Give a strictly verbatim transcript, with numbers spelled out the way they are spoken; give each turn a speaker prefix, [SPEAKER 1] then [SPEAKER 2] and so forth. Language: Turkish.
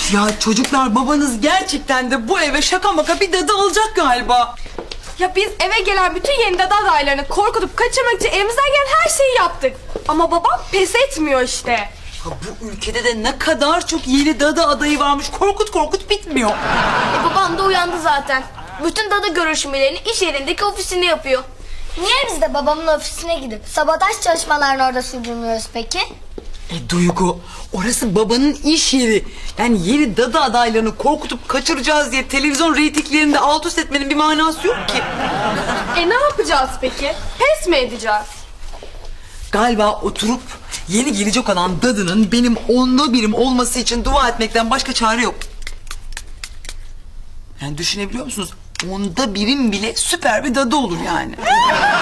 [SPEAKER 1] Ya çocuklar, babanız gerçekten de bu eve şaka maka bir dadı alacak galiba.
[SPEAKER 2] Ya biz eve gelen bütün yeni dada adaylarını korkutup kaçırmak için elimizden gelen her şeyi yaptık. Ama babam pes etmiyor işte.
[SPEAKER 1] Ya bu ülkede de ne kadar çok yeni dadı adayı varmış. Korkut korkut bitmiyor.
[SPEAKER 3] E, babam da uyandı zaten. Bütün dada görüşmelerini iş yerindeki ofisinde yapıyor.
[SPEAKER 4] Niye biz de babamın ofisine gidip sabotaj çalışmalarını orada sürdürmüyoruz peki?
[SPEAKER 1] E Duygu, orası babanın iş yeri. Yani yeni dadı adaylarını korkutup kaçıracağız diye televizyon reytinglerinde alt üst etmenin bir manası yok ki.
[SPEAKER 2] E ne yapacağız peki? Pes mi edeceğiz?
[SPEAKER 1] Galiba oturup yeni gelecek olan dadının benim onda birim olması için dua etmekten başka çare yok. Yani düşünebiliyor musunuz? Onda birim bile süper bir dadı olur yani.